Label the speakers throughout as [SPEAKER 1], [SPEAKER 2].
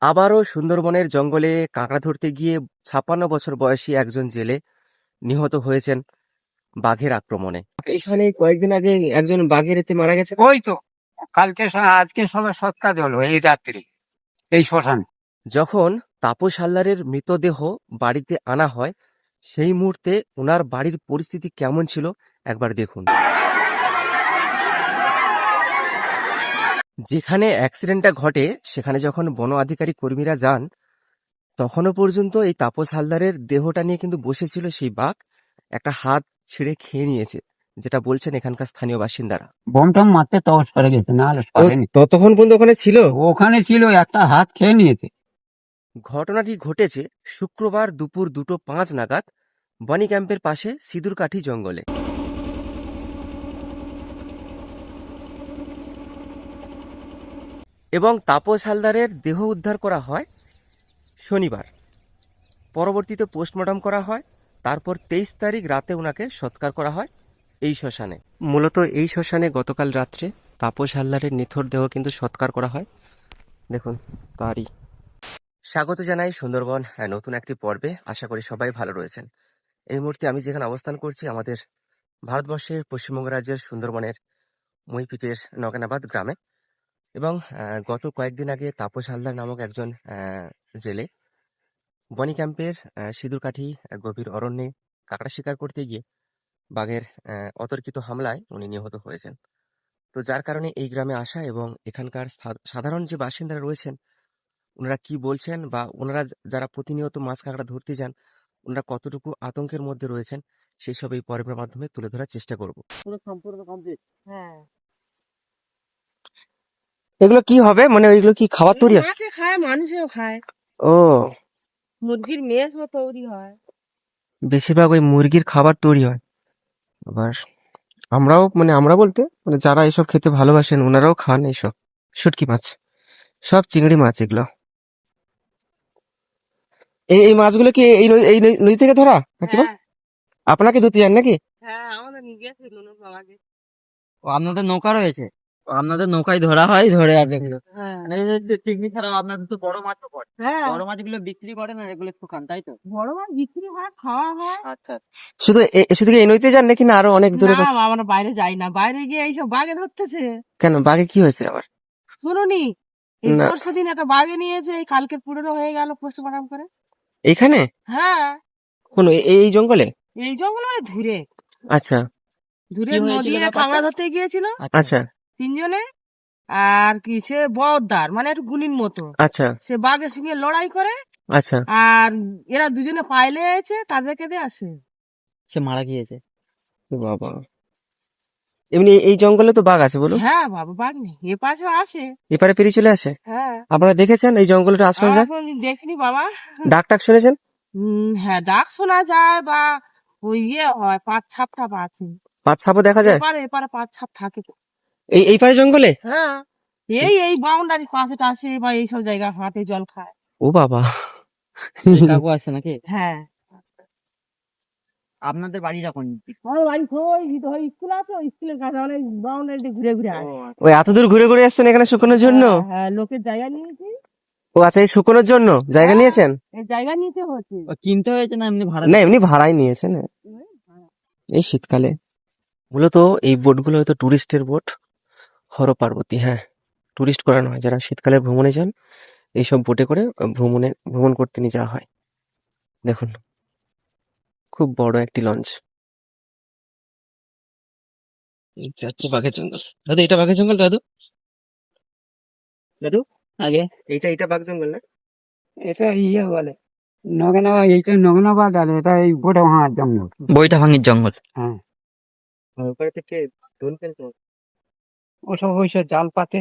[SPEAKER 1] আবারও সুন্দরবনের জঙ্গলে কাঁকড়া ধরতে গিয়ে ৫৬ বছর বয়সী একজন জেলে নিহত হয়েছেন বাঘের আক্রমণে। এখানে কয়েকদিন আগে একজন বাঘের এতে মারা গেছে।
[SPEAKER 2] ওই তো আজকে সবে সৎকার হলো এই রাত্রি এই শ্মশানে।
[SPEAKER 1] যখন তাপস হালদারের মৃতদেহ বাড়িতে আনা হয় সেই মুহূর্তে ওনার বাড়ির পরিস্থিতি কেমন ছিল একবার দেখুন। যেখানে অ্যাক্সিডেন্টটা ঘটে সেখানে যখন বন আধিকারিক কর্মীরা যান তখনও পর্যন্ত এই তাপস হালদারের দেহটা নিয়ে কিন্তু বসেছিল সেই বাঘ। একটা হাত ছিঁড়ে খেয়ে নিয়েছে, যেটা বলছেন এখানকার স্থানীয় বাসিন্দারা।
[SPEAKER 2] বোমটম মারতে তহস করে গেছে, না হলে সরেনি।
[SPEAKER 1] ততক্ষণ পর্যন্ত ওখানে ছিল।
[SPEAKER 2] ওখানে ছিল, একটা হাত খেয়ে নিয়েছে।
[SPEAKER 1] ঘটনাটি ঘটেছে শুক্রবার দুপুর 2:05 নাগাদ বনি ক্যাম্পের পাশে সিঁদুরকাঠি জঙ্গলে। এবং তাপস হালদারের দেহ উদ্ধার করা হয় শনিবার। পরবর্তীতে পোস্টমর্টম করা হয়, তারপর 23 তারিখ রাতে ওনাকে সৎকার করা হয় এই শ্মশানে। মূলত এই শ্মশানে গতকাল রাত্রে তাপস হালদারের নিথর দেহ কিন্তু সৎকার করা হয়। দেখুন তারই। স্বাগত জানাই সুন্দরবন নতুন একটি পর্বে। আশা করি সবাই ভালো রয়েছেন। এই মুহূর্তে আমি যেখানে অবস্থান করছি আমাদের ভারতবর্ষের পশ্চিমবঙ্গ রাজ্যের সুন্দরবনের মইপিটের নগেনাবাদ গ্রামে। এবং গত কয়েকদিন আগে তাপস হালদার নামক একজন জেলে বনি ক্যাম্পের সিঁদুরকাঠি গভীর অরণ্যে কাঁকড়া শিকার করতে গিয়ে বাঘের অতর্কিত হামলায় উনি নিহত হয়েছেন। তো যার কারণে এই গ্রামে আসা এবং এখানকার সাধারণ যে বাসিন্দারা রয়েছেন ওনারা কি বলছেন বা ওনারা যারা প্রতিনিয়ত মাছ কাঁকড়া ধরতে যান ওনারা কতটুকু আতঙ্কের মধ্যে রয়েছেন সেই সব এই পর্বের মাধ্যমে তুলে ধরার চেষ্টা করব। পুরো সম্পূর্ণ কমপ্লিট। হ্যাঁ, এগুলো কি হবে, মানে ওইগুলো কি খাবার তৈরি হয়?
[SPEAKER 3] মাছে খায়, মানুষেও খায়।
[SPEAKER 1] ও,
[SPEAKER 3] মুরগির মেজও তৈরি হয়।
[SPEAKER 1] বেশিরভাগ ওই মুরগির খাবার তৈরি হয়। আবার আমরাও, মানে আমরা বলতে মানে যারা এসব খেতে ভালোবাসেন ওনারাও খান এইসব শুটকি মাছ, সব চিংড়ি মাছ এগুলো। এই এই মাছগুলো কি এই নদী থেকে ধরা নাকি?
[SPEAKER 3] হ্যাঁ
[SPEAKER 1] আপনাকে ধরতে যান নাকি?
[SPEAKER 3] হ্যাঁ, আমাদের নিয়ে গেছে নৌকা আগে।
[SPEAKER 2] ও, আপনাদের নৌকা রয়েছে? ও, আপনাদের নৌকায় ধরা হয়, ধরে আর দেখলো।
[SPEAKER 3] হ্যাঁ
[SPEAKER 2] চিংড়ি ছাড়াও আপনাদের তো বড় মাছও পড়ে।
[SPEAKER 3] হ্যাঁ,
[SPEAKER 2] বড় মাছগুলো বিক্রি করে না, এগুলো শুকান, তাই তো?
[SPEAKER 3] বড় মাছ বিক্রি হয়, খাওয়া হয়।
[SPEAKER 2] আচ্ছা।
[SPEAKER 1] শুধু কি এই নদীতে যান নাকি না আরো অনেক দূরে?
[SPEAKER 3] না, আমরা বাইরে যাই না, বাইরে গিয়ে এইসব বাঘে ধরতেছে।
[SPEAKER 1] কেন, বাঘে কি হয়েছে আবার?
[SPEAKER 3] শুনুনি, এই
[SPEAKER 1] না।
[SPEAKER 3] পরশুদিন একটা বাঘে নিয়েছে, এই কালকে পুরো হয়ে গেল পোস্টমর্টম করে।
[SPEAKER 1] এইখানে
[SPEAKER 3] হ্যাঁ,
[SPEAKER 1] কোন এই জঙ্গলে?
[SPEAKER 3] এই জঙ্গল মানে ধুরে
[SPEAKER 1] আচ্ছা
[SPEAKER 3] ধুরে
[SPEAKER 2] কি হয়েছিল
[SPEAKER 3] নদী
[SPEAKER 2] ব্যাপারটা?
[SPEAKER 3] কাঁকড়া ধরতে গিয়েছিল
[SPEAKER 1] আচ্ছা
[SPEAKER 3] তিনজনে। আর কি সে বড়দার মানে একটু গুলির মতো,
[SPEAKER 1] আচ্ছা
[SPEAKER 3] সে বাঘের সঙ্গে লড়াই করে।
[SPEAKER 1] আচ্ছা।
[SPEAKER 3] আর এরা দুজনে পাইলে আছে, তাদেরকে দিয়ে আসে।
[SPEAKER 2] সে মারা গিয়েছে।
[SPEAKER 1] এ বাবা, এমনি এই জঙ্গলে তো বাঘ আছে বলুন?
[SPEAKER 3] হ্যাঁ বাবা, বাঘ নেই, এ পাশে আসে।
[SPEAKER 1] এপারে পেরিয়ে চলে আসে?
[SPEAKER 3] হ্যাঁ,
[SPEAKER 1] আপনারা দেখেছেন এই জঙ্গলের আশপাশে?
[SPEAKER 3] আমরা
[SPEAKER 1] যান,
[SPEAKER 3] কোনোদিন দেখিনি বাবা।
[SPEAKER 1] ডাক টাক শুনেছেন?
[SPEAKER 3] হ্যাঁ, ডাক শোনা যায় বা ওই ইয়ে হয়, পাঁচ ছাপ টাপ আছে।
[SPEAKER 1] পাঁচ সাপও দেখা যায়
[SPEAKER 3] এপারে এপারে পাঁচ ছাপ থাকে তো।
[SPEAKER 1] এই পাশে জঙ্গলে?
[SPEAKER 3] হ্যাঁ, এই বাউন্ডারি পাশে টাশে বা এইসব জায়গা হাটে জল খায়।
[SPEAKER 1] ও বাবা।
[SPEAKER 2] এই কাকু আছে নাকি?
[SPEAKER 3] হ্যাঁ,
[SPEAKER 2] আপনাদের বাড়িটা কোন দিকে?
[SPEAKER 3] আমার বাড়ি ওই স্কুল আছে, ওই স্কুলের কাছে অনেক বাউন্ডারিতে ঘুরে ঘুরে আসে।
[SPEAKER 1] ওই এত দূর ঘুরে ঘুরে আসছেন এখানে শুকনোর জন্য?
[SPEAKER 3] হ্যাঁ, হ্যাঁ, লোকের জায়গা নিয়েছি।
[SPEAKER 1] ও আচ্ছা, এই শুকনোর জন্য জায়গা
[SPEAKER 3] হ্যাঁ,
[SPEAKER 1] নিয়েছেন?
[SPEAKER 3] এই জায়গা নিতে হচ্ছে।
[SPEAKER 2] ও, কিনতে হয়েছে না এমনি ভাড়া?
[SPEAKER 1] না, এমনি ভাড়াই নিয়েছেন এই শীতকালে। মূলত এই বোটগুলো হয়তো টুরিস্টের বোট, হর পার্বতী। হ্যাঁ, টুরিস্ট করানো হয় যারা শীতকালে ভ্রমণে যান, এইসব বোটে করে ভ্রমণ করতে নিয়ে যাওয়া হয়। দেখুন খুব বড় একটি লঞ্চ। এটা হচ্ছে বাঘের জঙ্গল। দাদু, এটা বাঘের জঙ্গল? দাদু দাদু,
[SPEAKER 2] আগে
[SPEAKER 1] এটা বাঘ জঙ্গল না?
[SPEAKER 2] এটা ইয়ে বলে নগেনাবাদ, এইটা নগেনাবাদ, আর এটা এই বইটা ভাঙার জঙ্গল। বইটা ভাঙির জঙ্গল। হ্যাঁ,
[SPEAKER 1] ওপরে থেকে দোল ফেলতো।
[SPEAKER 2] ওসব ওইসব জাল পাতে।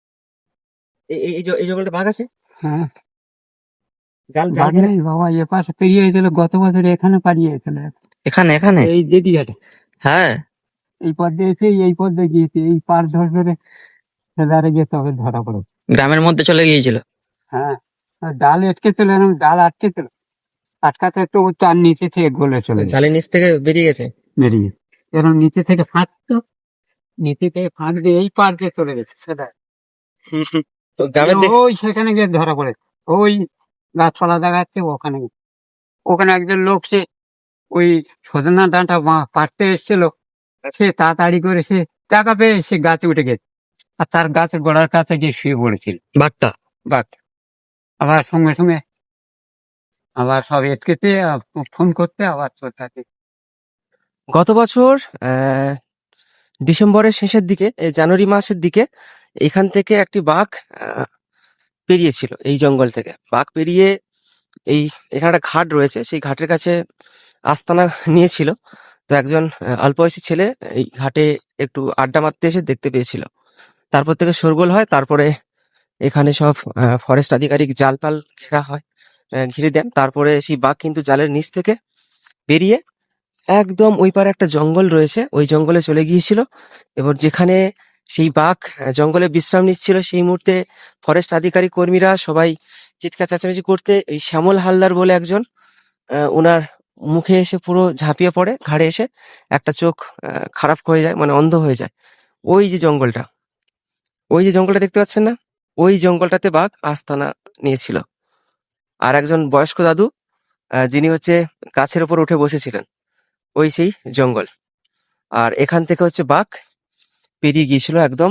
[SPEAKER 1] এই জঙ্গলটা বাঘ আছে?
[SPEAKER 2] হ্যাঁ,
[SPEAKER 1] জাল
[SPEAKER 2] বাঘ নেই বাবা, এ পাশে পেরিয়ে হয়েছিল গত বছর, এখানে পারিয়ে হয়েছিল।
[SPEAKER 1] এখানে
[SPEAKER 2] এই জেটিঘাটে
[SPEAKER 1] হ্যাঁ।
[SPEAKER 2] এই পথ দিয়ে এসে এই পথ দিয়ে গিয়েছে, এই পার ধরে সেদারে গিয়ে তবে ধরা পড়ে।
[SPEAKER 1] গ্রামের মধ্যে চলে গিয়েছিল।
[SPEAKER 2] হ্যাঁ, আর ডাল আটকে ছিল, এরকম ডাল আটকে ছিল, আটকাতে তো ও তার নিচে থেকে গলে চলে যায়,
[SPEAKER 1] জালের নিচ থেকে বেরিয়ে গেছে।
[SPEAKER 2] বেরিয়ে এরকম নিচে থেকে ফাঁকতো, নিচে থেকে ফাঁক দিয়ে এই পার দিয়ে চলে গেছে সেটা।
[SPEAKER 1] তো গ্রামের
[SPEAKER 2] ওই সেখানে গিয়ে ধরা পড়ে। ওই গাছপালা দেখাচ্ছে ওখানে। ওখানে একজন লোক সে ওই সজনা ডাঁটা পাড়তে এসেছিল, সে তাড়াতাড়ি করে সে টাকা পেয়ে সে গাছে উঠে গেছে, আর তার গাছের গোড়ার কাছে গিয়ে শুয়ে পড়েছিল
[SPEAKER 1] বাঘটা?
[SPEAKER 2] বাঘ। আবার সঙ্গে সঙ্গে আবার সব এটকেতে ফোন করতে আবার চলে থাকে।
[SPEAKER 1] গত বছর ডিসেম্বরের শেষের দিকে, জানুয়ারি মাসের দিকে এখান থেকে একটি বাঘ পেরিয়েছিল। এই জঙ্গল থেকে বাঘ পেরিয়ে এখানে একটা ঘাট রয়েছে, সেই ঘাটের কাছে আস্তানা নিয়েছিল। তো একজন অল্প বয়সী ছেলে এই ঘাটে একটু আড্ডা মারতে এসে দেখতে পেয়েছিল। তারপর থেকে শোরগোল হয়। তারপরে এখানে সব ফরেস্ট আধিকারিক জাল পাল ঘেরা হয়, ঘিরে দেন। তারপরে সেই বাঘ কিন্তু জালের নিচ থেকে বেরিয়ে একদম ওই পারে একটা জঙ্গল রয়েছে, ওই জঙ্গলে চলে গিয়েছিল। এবার যেখানে সেই বাঘ জঙ্গলে বিশ্রাম নিচ্ছিল, সেই মুহূর্তে ফরেস্ট আধিকারিক কর্মীরা সবাই চিৎকার চেঁচামেচি করতে এই শ্যামল হালদার বলে একজন, ওনার মুখে এসে পুরো ঝাঁপিয়ে পড়ে, ঘাড়ে এসে একটা চোখ খারাপ হয়ে যায়, মানে অন্ধ হয়ে যায়। ওই যে জঙ্গলটা, ওই যে জঙ্গলটা দেখতে পাচ্ছেন না, ওই জঙ্গলটাতে বাঘ আস্তানা নিয়েছিল। আর একজন বয়স্ক দাদু, যিনি হচ্ছে গাছের উপর উঠে বসেছিলেন, ওই সেই জঙ্গল। আর এখান থেকে হচ্ছে বাঘ পেরিয়ে গিয়েছিল একদম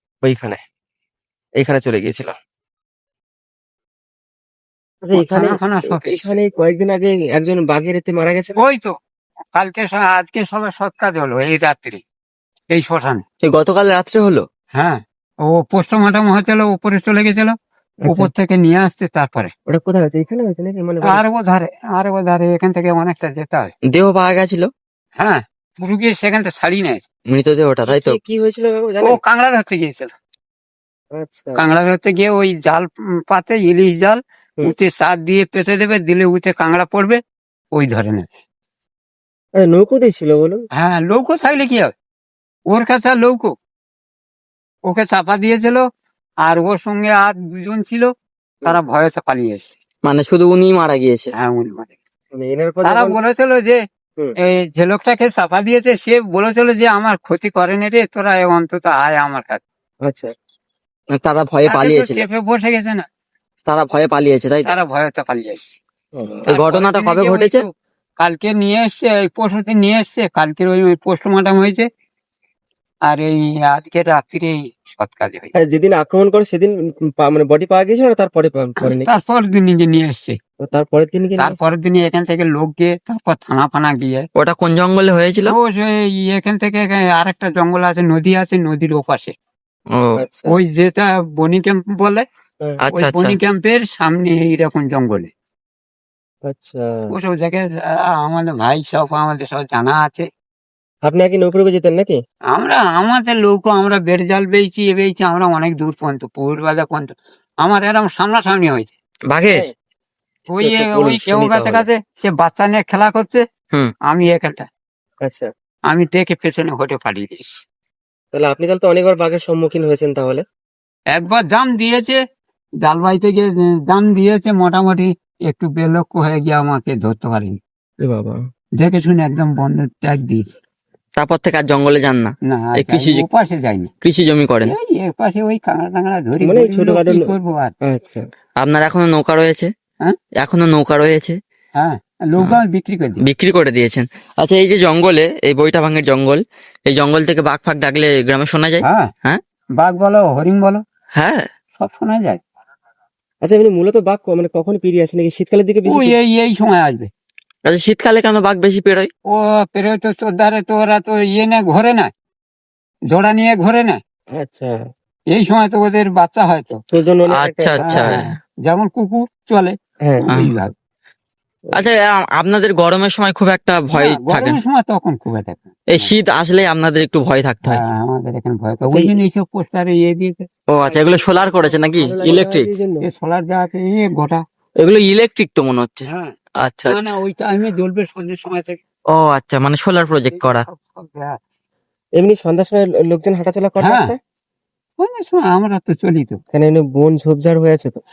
[SPEAKER 1] এইখানে চলে গিয়েছিল। আচ্ছা, এখানে
[SPEAKER 2] থানা ফানা সব
[SPEAKER 1] এখানে কয়েকদিন আগে একজন বাঘের এতে মারা গেছে।
[SPEAKER 2] ওই তো কালকে আজকে সবাই সৎকার হলো এই রাত্রি এই শ্মশানে।
[SPEAKER 1] সেই গতকাল রাত্রে হলো।
[SPEAKER 2] হ্যাঁ, ও পোস্টমর্টম হয়েছিল, উপরে চলে গেছিল, উপর থেকে নিয়ে আসছে। তারপরে
[SPEAKER 1] ওটা কোথায় হয়েছে? এখানে হয়েছে নাকি? মানে
[SPEAKER 2] আর ও ধারে এখান থেকে অনেকটা যেতে হয়।
[SPEAKER 1] দেহ পাওয়া গেছিল?
[SPEAKER 2] হ্যাঁ, পুরো গিয়ে সেখান থেকে ছাড়িয়ে নেয়।
[SPEAKER 1] মৃতদেহটা, তাই তো? কি হয়েছিল
[SPEAKER 2] ও
[SPEAKER 1] জানেন?
[SPEAKER 2] কাংড়া ধরতে গিয়েছিল।
[SPEAKER 1] আচ্ছা।
[SPEAKER 2] কাংড়া ধরতে গিয়ে ওই জাল পাতে ইলিশ জাল উঠে চার দিয়ে পেতে দেবে, দিলে উঠে কাংড়া পড়বে, ওই ধরে নেবে।
[SPEAKER 1] নৌকো দিয়েছিল বলুন?
[SPEAKER 2] হ্যাঁ, লৌকো থাকলে কি হবে, ওর কাছে আর লৌকো। ওকে চাপা দিয়েছিল, আর ওর সঙ্গে আর দুজন ছিল, তারা ভয়তে পালিয়ে এসছে।
[SPEAKER 1] মানে শুধু উনি মারা গিয়েছে?
[SPEAKER 2] হ্যাঁ, উনি মারা গেছে।
[SPEAKER 1] মানে এনার পর
[SPEAKER 2] তারা বলেছিল যে এই যে লোকটাকে চাপা দিয়েছে, সে বলেছিল যে আমার ক্ষতি করেনি রে, তোরা অন্তত আয় আমার কাছে।
[SPEAKER 1] আচ্ছা, তারা ভয়ে পালিয়েছিল?
[SPEAKER 2] চেপে বসে গেছে না,
[SPEAKER 1] তারা ভয়ে পালিয়েছে, তাই?
[SPEAKER 2] তারা ভয়তে পালিয়ে এসছে।
[SPEAKER 1] এই ঘটনাটা কবে ঘটেছে?
[SPEAKER 2] কালকে নিয়ে এসছে, এই পরশুদিন নিয়ে এসছে। কালকের ওই পোস্টমর্টম হয়েছে, আর এই আজকে রাত্রিরে সৎ কাজ হয়েছে।
[SPEAKER 1] যেদিন আক্রমণ করে সেদিন মানে বডি পাওয়া গেছিল না তারপরে?
[SPEAKER 2] তারপর দিন নিয়ে এসছে।
[SPEAKER 1] তারপরের দিন?
[SPEAKER 2] তারপরের দিনে এখান থেকে লোক গিয়ে, তারপর থানা ফানা গিয়ে।
[SPEAKER 1] ওটা কোন জঙ্গলে হয়েছিল?
[SPEAKER 2] ও সেই এখান থেকে আরেকটা জঙ্গল আছে, নদী আছে, নদীর ওপাশে। ওই যেটা বনি ক্যাম্প বলে, ওই বনি ক্যাম্পের সামনে এইরকম জঙ্গলে।
[SPEAKER 1] আচ্ছা,
[SPEAKER 2] ওসব জায়গায় আমাদের ভাই সব, আমাদের সব জানা আছে।
[SPEAKER 1] আপনি আগে নৌকো যেতেন নাকি?
[SPEAKER 2] আমাদের লোক, আমরা বেড় জাল বেয়েছি, আমরা অনেক দূর পর্যন্ত, পৌরবাজার পর্যন্ত আমার এরকম সামনাসামনি হয়েছে
[SPEAKER 1] বাঘের।
[SPEAKER 2] ওই কেউ কাছে কাছে সে বাচ্চা নিয়ে খেলা করছে, আমি এখানটা।
[SPEAKER 1] আচ্ছা,
[SPEAKER 2] আমি দেখে পেছনে হটে পালিয়ে দিয়েছি।
[SPEAKER 1] তাহলে আপনি তো অনেকবার বাঘের সম্মুখীন হয়েছেন তাহলে?
[SPEAKER 2] একবার জাম দিয়েছে, জাল বাইতে গিয়ে জাম দিয়েছে, মোটামুটি একটু বেলক্ষ হয়ে গিয়ে আমাকে ধরতে পারিনি।
[SPEAKER 1] বাবা,
[SPEAKER 2] দেখে শুনে একদম বন্ধ ত্যাগ দিয়েছি।
[SPEAKER 1] তারপর থেকে আর জঙ্গলে যান না?
[SPEAKER 2] না, ওপাশে যাইনি।
[SPEAKER 1] কৃষি জমি করেন?
[SPEAKER 2] এপাশে ওই কাঁকড়া টাংড়া ধরি,
[SPEAKER 1] মানে ছোটখাটো
[SPEAKER 2] কি করবো আর।
[SPEAKER 1] আচ্ছা, আপনার এখনো নৌকা রয়েছে?
[SPEAKER 2] হ্যাঁ,
[SPEAKER 1] এখনো নৌকা রয়েছে।
[SPEAKER 2] হ্যাঁ, নৌকা বিক্রি করে
[SPEAKER 1] দিয়েছেন। আচ্ছা, এই যে জঙ্গলে, এই বইটা ভাঙের জঙ্গল, এই জঙ্গল থেকে বাঘ ফাঘ ডাকলে গ্রামে শোনা যায়?
[SPEAKER 2] হ্যাঁ, বাঘ বলো, হরিণ বলো,
[SPEAKER 1] হ্যাঁ,
[SPEAKER 2] সব শোনা যায়।
[SPEAKER 1] আচ্ছা, এমনি মূলত বাঘ মানে কখন পেরিয়ে আসে নাকি? শীতকালের দিকে বেশি?
[SPEAKER 2] এই সময় আসবে।
[SPEAKER 1] আচ্ছা, শীতকালে কেন বাঘ বেশি পেরোয়?
[SPEAKER 2] ও পেরোয় তো তোর ধারে, তো ওরা তো না ঘোরে না, জোড়া নিয়ে ঘোরে না।
[SPEAKER 1] আচ্ছা,
[SPEAKER 2] এই সময় তো ওদের বাচ্চা হয় তো।
[SPEAKER 1] আচ্ছা আচ্ছা,
[SPEAKER 2] যেমন কুকুর চলে এইভাবে।
[SPEAKER 1] আচ্ছা, আপনাদের গরমের সময় খুব একটা ভয় থাকে?
[SPEAKER 2] গরমের সময় তখন খুব একটা,
[SPEAKER 1] এই শীত আসলে আপনাদের একটু ভয় থাকতে হয়?
[SPEAKER 2] আমাদের এখানে ভয় থাকে, ওই জন্য এইসব পোস্টারে দিয়েছে।
[SPEAKER 1] ও আচ্ছা, এগুলো সোলার করেছে নাকি ইলেকট্রিক?
[SPEAKER 2] সোলার যা আছে গোটা,
[SPEAKER 1] এগুলো ইলেকট্রিক তো মনে হচ্ছে।
[SPEAKER 2] হ্যাঁ,
[SPEAKER 1] আচ্ছা
[SPEAKER 2] না ওই টাইমে জ্বলবে সন্ধ্যের সময় থেকে।
[SPEAKER 1] ও আচ্ছা, মানে সোলার প্রজেক্ট করা। এমনি সন্ধ্যার সময় লোকজন হাঁটাচলা করে?
[SPEAKER 2] আমরা তো চলি তো,
[SPEAKER 1] বন ঝোপঝাড় হয়েছে তো।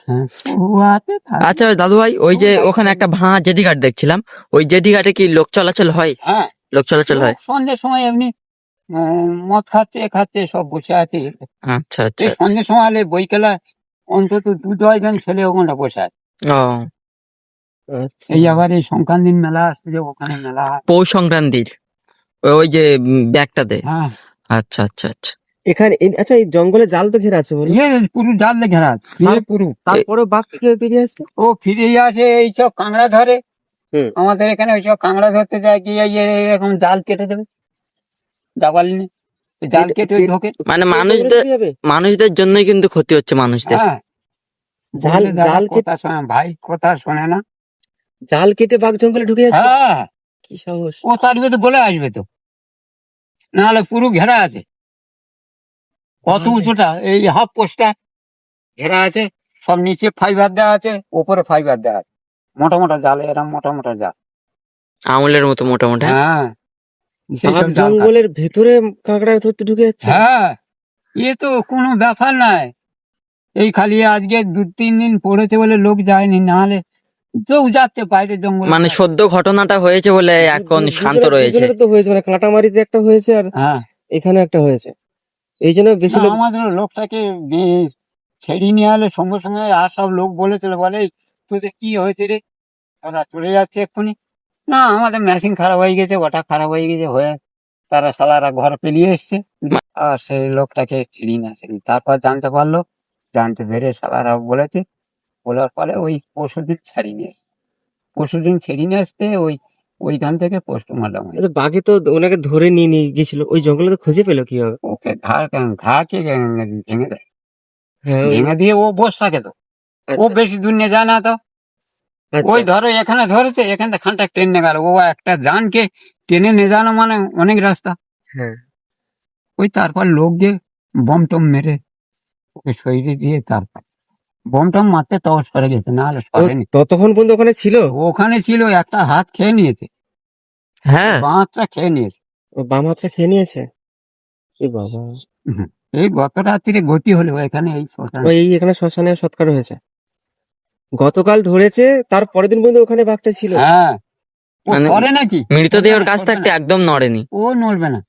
[SPEAKER 1] আচ্ছা দাদু ভাই, ওই যে ওখানে একটা ভাঙা জেটি ঘাট দেখছিলাম, ওই জেটি ঘাটে কি লোক চলাচল হয়?
[SPEAKER 2] হ্যাঁ,
[SPEAKER 1] লোক চলাচল হয়
[SPEAKER 2] সন্ধ্যের সময় এমনি মদ খাচ্ছে সব বসে আছে।
[SPEAKER 1] আচ্ছা আচ্ছা,
[SPEAKER 2] সন্ধ্যের সময় হলে বইকেলা অন্তত 2-10 ছেলে ওখানটা বসে আছে।
[SPEAKER 4] ও
[SPEAKER 1] আচ্ছা
[SPEAKER 2] এই আবার এই সংক্রান্তির মেলা আসছে যে ওখানে মেলা হয়।
[SPEAKER 4] পৌষ সংক্রান্তির ওই যে ব্যাগটাতে।
[SPEAKER 2] হ্যাঁ,
[SPEAKER 4] আচ্ছা আচ্ছা আচ্ছা।
[SPEAKER 1] এখানে আচ্ছা এই জঙ্গলে জাল তো ঘেরা আছে বলে,
[SPEAKER 2] ইয়ে পুরো জাল দিয়ে ঘেরা আছে, ইয়ে পুরো।
[SPEAKER 1] তারপরে বাঘ কিভাবে বেরিয়ে আসবে?
[SPEAKER 2] ও ফিরে আসে এইসব কাঁকড়া ধরে।
[SPEAKER 1] হুম।
[SPEAKER 2] আমাদের এখানে ওইসব কাঁকড়া ধরতে যায় গিয়ে এরকম জাল কেটে দেবে, জাবাল নিয়ে জাল কেটে ঢোকে।
[SPEAKER 4] মানে
[SPEAKER 1] এই জঙ্গলে চলে যাবে?
[SPEAKER 4] মানুষদের জন্যই কিন্তু ক্ষতি হচ্ছে মানুষদের।
[SPEAKER 2] হ্যাঁ,
[SPEAKER 1] জাল
[SPEAKER 2] বললে দাদা
[SPEAKER 1] জাল কেটে
[SPEAKER 2] কথা শোনে, ভাই কথা শোনে না।
[SPEAKER 1] জাল কেটে বাঘ জঙ্গলে ঢুকে যাচ্ছে?
[SPEAKER 2] হ্যাঁ,
[SPEAKER 1] কি সাহস!
[SPEAKER 2] ও তার ভিতরে বলে আসবে তো, নাহলে পুরো ঘেরা আছে। কত উঁচুটা, এই হাফ পোস্টটা ঘেরা আছে, সব নিচে ফাইবার দেওয়া আছে, ওপরে ফাইবার দেওয়া আছে, মোটা মোটা জাল, এরকম মোটা মোটা জাল।
[SPEAKER 4] আঙুলের মতো মোটামুটি।
[SPEAKER 2] হ্যাঁ, সেই
[SPEAKER 1] বাঘ
[SPEAKER 2] সব জাল কাটে।
[SPEAKER 1] জঙ্গলের ভেতরে কাঁকড়া ধরতে ঢুকে যাচ্ছে?
[SPEAKER 2] হ্যাঁ, এ তো কোনো ব্যাপার নয়। এই খালি আজকে 2-3 দিন পড়েছে বলে লোক যায়নি, নাহলে কেউ যাচ্ছে বাইরে জঙ্গলে।
[SPEAKER 4] মানে সদ্য ঘটনাটা হয়েছে বলে এখন শান্ত রয়েছে।
[SPEAKER 1] দুজনের তো হয়েছে, মানে কাঁটামারিতে একটা হয়েছে আর
[SPEAKER 2] হ্যাঁ,
[SPEAKER 1] এখানে একটা হয়েছে, এই জন্য বেশি
[SPEAKER 2] না,
[SPEAKER 1] লোক।
[SPEAKER 2] আমাদের লোকটাকে ছেড়ে নিয়ে এলে সঙ্গে সঙ্গে আর সব লোক বলেছিল, বলে "এই, তোদের কি হয়েছে রে, ওরা চলে যাচ্ছে এক্ষুনি"। না, আমাদের মেশিন খারাপ হয়ে গেছে, ওটা খারাপ হয়ে গেছে, হয়ে তারা সালারা ঘরে পেলিয়ে এসছে। আর সেই লোকটাকে ছিড়ি না ছিড়ি, তারপর জানতে পারলো, জানতে পেরে সালারা বলেছে, বলার পরে ওই পরশুদিন ছাড়িয়ে নিয়ে এসছে। পরশুদিন ছেড়ে নিয়ে আসতে ওইখান থেকে পোস্টমর্টম হয়েছে।
[SPEAKER 1] আচ্ছা, বাঘে তো ওনাকে ধরে নিয়ে নিয়ে গেছিল, ওই জঙ্গলে তো খুঁজে পেলো কিভাবে?
[SPEAKER 2] ওকে ঘা কে ভেঙে দেয়,
[SPEAKER 1] হ্যাঁ
[SPEAKER 2] ভেঙে দিয়ে ও বসে থাকে তো, ও
[SPEAKER 1] আচ্ছা
[SPEAKER 2] বেশি দূর নিয়ে যায় না তো।
[SPEAKER 1] আচ্ছা।
[SPEAKER 2] ওই ধরো এখানে ধরেছে, এখান থেকে খানটা টেনে গেল, ও একটা জানকে টেনে নিয়ে যানো মানে অনেক রাস্তা।
[SPEAKER 1] হ্যাঁ,
[SPEAKER 2] ওই তারপর লোক গিয়ে বম টম মেরে ওকে সরিয়ে দিয়ে, তারপর বম টম মারতে তখন সরে গেছে, না হলে
[SPEAKER 1] ও
[SPEAKER 2] সরেনি।
[SPEAKER 1] ততক্ষণ পর্যন্ত ওখানে ছিল?
[SPEAKER 2] ওখানে ছিল, একটা হাত খেয়ে নিয়েছে,
[SPEAKER 4] হ্যাঁ,
[SPEAKER 2] বাঁচটা খেয়ে নিয়েছে।
[SPEAKER 1] ও বাম হাতটা খেয়ে নিয়েছে? এ বাবা!
[SPEAKER 2] হুম। এই গত রাত্রিরে গতি হলো এখানে এই শ্মশানে।
[SPEAKER 1] ওই এখানে শ্মশানে সৎকার হয়েছে, গতকাল ধরেছে, তার পরের দিন পর্যন্ত ওখানে বাঘটা ছিল?
[SPEAKER 2] হ্যাঁ, ও
[SPEAKER 4] মানে
[SPEAKER 2] করে নাকি,
[SPEAKER 4] মৃতদেহের কাছ থাকতে একদম নড়েনি।
[SPEAKER 2] ও নড়বে না।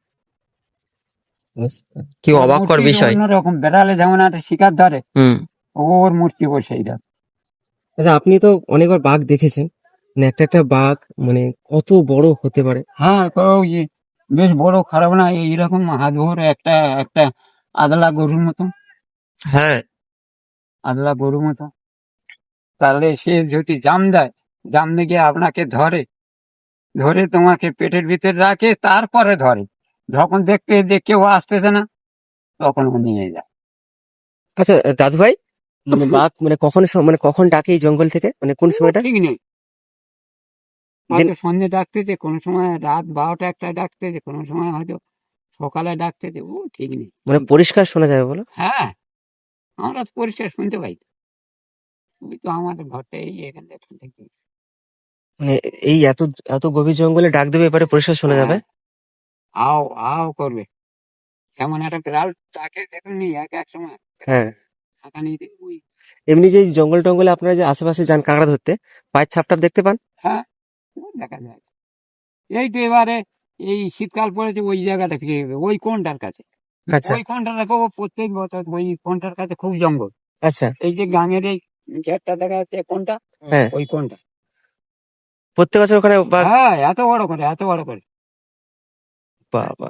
[SPEAKER 4] কি অবাককর বিষয়।
[SPEAKER 2] অন্যরকম, বেড়ালে যেমন একটা শিকার ধরে,
[SPEAKER 4] হুম।
[SPEAKER 2] ওর মূর্তি বসে এইটা।
[SPEAKER 1] আচ্ছা, আপনি তো অনেকবার বাঘ দেখেছেন, মানে একটা একটা বাঘ মানে কত বড় হতে পারে?
[SPEAKER 2] হ্যাঁ, তো ওই বেশ বড়, খারাপ না, এইরকম হাত ভরে একটা একটা আদলা গরুর মতন,
[SPEAKER 4] হ্যাঁ,
[SPEAKER 2] আদলা গরুর মতন। তাহলে সে যদি জাম দেয়, জাম দিয়ে আপনাকে ধরে, ধরে তোমাকে পেটের ভিতরে রাখে, তারপরে ধরে, যখন দেখতে যে কেউ আসতেছে না, তখন ও নিয়ে যায়।
[SPEAKER 1] আচ্ছা দাদু ভাই, মানে বাঘ মানে মানে কখন ডাকে এই জঙ্গল থেকে, মানে কোন সময়টা?
[SPEAKER 2] ঠিক নেই, হয়তো সন্ধ্যে ডাকতেছে, কোনো সময় রাত 12টা-1টায় ডাকতেছে, কোনো সময় হয়তো সকালে ডাকতেছে, ও ঠিক নেই।
[SPEAKER 1] মানে পরিষ্কার শোনা যাবে বলো?
[SPEAKER 2] হ্যাঁ, আমরা তো পরিষ্কার শুনতে পাই তো। ওই তো আমাদের ঘরটা এই এখান থেকে।
[SPEAKER 1] মানে এই এত এত গভীর জঙ্গলে ডাক দেবে, এবারে পরিষ্কার শোনা যাবে?
[SPEAKER 2] আও আও করবে, এমন একটা বিড়াল তাকে দেখুননি এক এক সময়
[SPEAKER 1] হ্যাঁ।
[SPEAKER 2] থাকানি ওই।
[SPEAKER 1] এমনি যে এই জঙ্গল টঙ্গলে আপনারা যে আশেপাশে যান কাঁকড়া ধরতে, পায়ের ছাপটাপ দেখতে পান?
[SPEAKER 2] হ্যাঁ, ও দেখা যায়। এই তো এবারে এই শীতকাল পড়েছে, ওই জায়গাটা ফিরে যাবে, ওই কোনটার কাছে,
[SPEAKER 1] আচ্ছা
[SPEAKER 2] ওই কোনটা দেখো, ও প্রত্যেক বছর ওই কোনটার কাছে খুব জঙ্গল।
[SPEAKER 1] আচ্ছা।
[SPEAKER 2] এই যে গ্রামের এই ঘেরটা দেখা যাচ্ছে কোনটা,
[SPEAKER 1] হ্যাঁ,
[SPEAKER 2] ওই কোনটা।
[SPEAKER 1] প্রত্যেক বছর ওখানে বাঘ?
[SPEAKER 2] হ্যাঁ, এত বড় করে, এত বড় করে।
[SPEAKER 1] বাবা!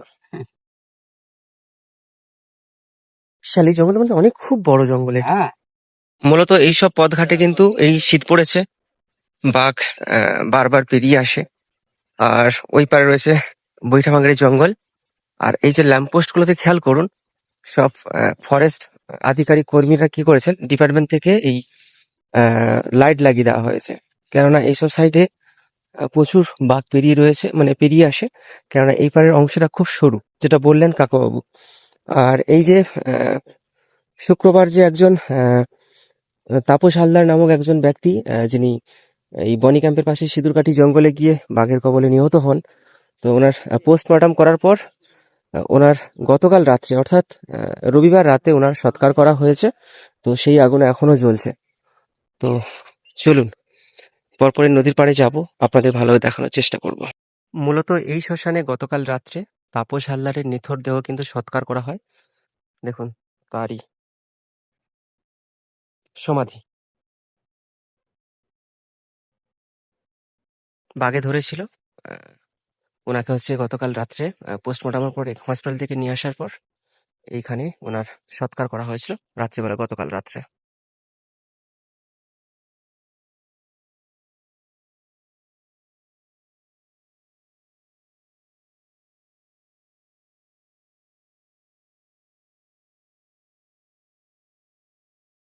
[SPEAKER 1] বিশাল এই জঙ্গল, মানে অনেক খুব বড় জঙ্গল এটা।
[SPEAKER 2] হ্যাঁ,
[SPEAKER 1] মূলত এইসব পথঘাটে কিন্তু এই শীত পড়েছে, বাঘ বারবার পেরিয়ে আসে। আর ওই পারে রয়েছে বৈঠাভাঙড়ি জঙ্গল। আর এই যে ল্যাম্পপোস্ট গুলোতে খেয়াল করুন, সব ফরেস্ট আধিকারিক কর্মীরা কি করেছেন, ডিপার্টমেন্ট থেকে এই লাইট লাগিয়ে দেওয়া হয়েছে, কেননা এইসব সাইডে প্রচুর বাঘ পেরিয়ে রয়েছে, মানে পেরিয়ে আসে, কেননা এই পারের অংশটা খুব সরু, যেটা বললেন কাকাবাবু। আর এই যে শুক্রবার যে একজন তাপস হালদার নামক একজন ব্যক্তি, যিনি এই বনি ক্যাম্পের পাশে সিঁদুরকাঠি জঙ্গলে গিয়ে বাঘের কবলে নিহত হন, তো ওনার পোস্টমর্টম করার পর ওনার গতকাল রাত্রে অর্থাৎ রবিবার রাতে ওনার সৎকার করা হয়েছে। তো সেই আগুন এখনো জ্বলছে। তো চলুন পরপরের নদীর পাড়ে যাব, আপনাদের ভালোভাবে দেখানোর চেষ্টা করব। মূলত এই শ্মশানে গতকাল রাত্রে তাপস হালদারের নিথর দেহ কিন্তু সৎকার করা হয়, দেখুন তারই সমাধি। বাগে ধরেছিল। আহ, ওনাকে হচ্ছে গতকাল রাত্রে পোস্টমর্টমের পরে হসপিটাল থেকে নিয়ে আসার পর এইখানে ওনার সৎকার করা হয়েছিল রাত্রিবেলা, গতকাল রাত্রে।